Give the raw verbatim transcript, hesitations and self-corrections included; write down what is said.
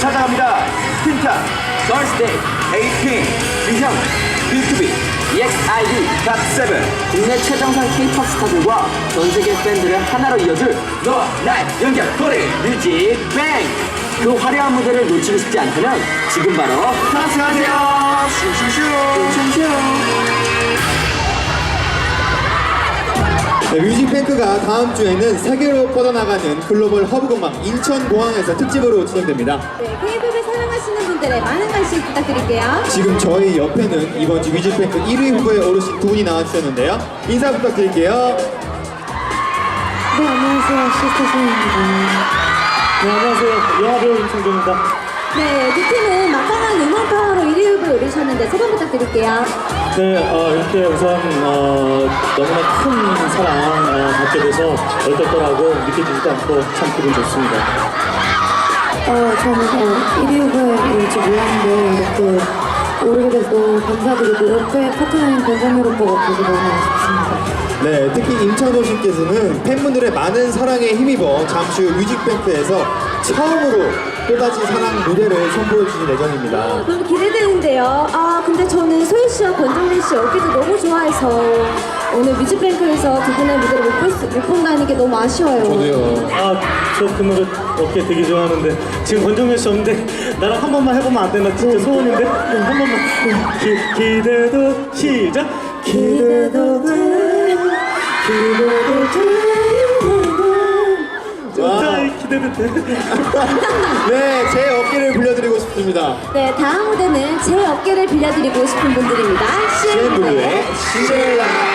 찾아갑니다. 틴탑, 걸스데이, 에이핑, 위형, 비투비, 이엑스아이디, 갓세븐, 국내 최정상 K-팝 스타들과 전 세계 팬들을 하나로 이어줄 너와 나의 연결 고리 뮤직뱅. 그 화려한 무대를 놓치고 싶지 않다면 지금 바로 탑승하세요. 슈슈슈 슈슈슈. 네, 뮤직뱅크가 다음 주에는 세계로 뻗어나가는 글로벌 허브공항 인천공항에서 특집으로 진행됩니다. 네, K-팝을 사랑하시는 분들의 많은 관심 부탁드릴게요. 지금 저희 옆에는 이번 주 뮤직뱅크 일 위 후보에 오르신 두 분이 나와주셨는데요. 인사 부탁드릴게요. 네, 안녕하세요. 시스터즈입니다. 네, 안녕하세요. 영화배우 임창조입니다. 네, 두 팀은 막강한 응원 파워로 일 위 후보에 오르셨는데 소감 부탁드릴게요. 네, 어, 이렇게 우선 어, 너무나 큰 사랑 어, 받게 돼서 얼떨떨하고 믿겨지지도 않고 참 기분 좋습니다. 어, 저는 어, 일 위 후보에 올지 몰랐는데 이렇게 오르게 돼서 너무 감사드리고 옆에 파트너인 권정열 오빠가 보고 너무 아쉽습니다. 네, 특히 임창도 씨께서는 팬분들의 많은 사랑에 힘입어 잠시 후 뮤직뱅크에서 처음으로 또다시 사랑 무대를 선보여 주실 예정입니다. 너무 기대되는데요. 아, 근데 저는 소유 씨와 권정민 씨 어깨도 너무 좋아해서 오늘 뮤직뱅크에서 두 분의 무대를 못, 볼 수, 못 본다는 게 너무 아쉬워요. 저도요. 아, 저 그 노래 어깨 되게 좋아하는데 지금 권정민 씨 없는데 나랑 한 번만 해보면 안 되나? 진짜 소원인데? 한 번만. 기, 기대도 시작! 기대도 돼 기대도 돼 와. 기대도 돼 네, 제 어깨를 빌려드리고 싶습니다. 네, 다음 무대는 제 어깨를 빌려드리고 싶은 분들입니다. 씨엔블루의 씨엔블루의 신데렐라.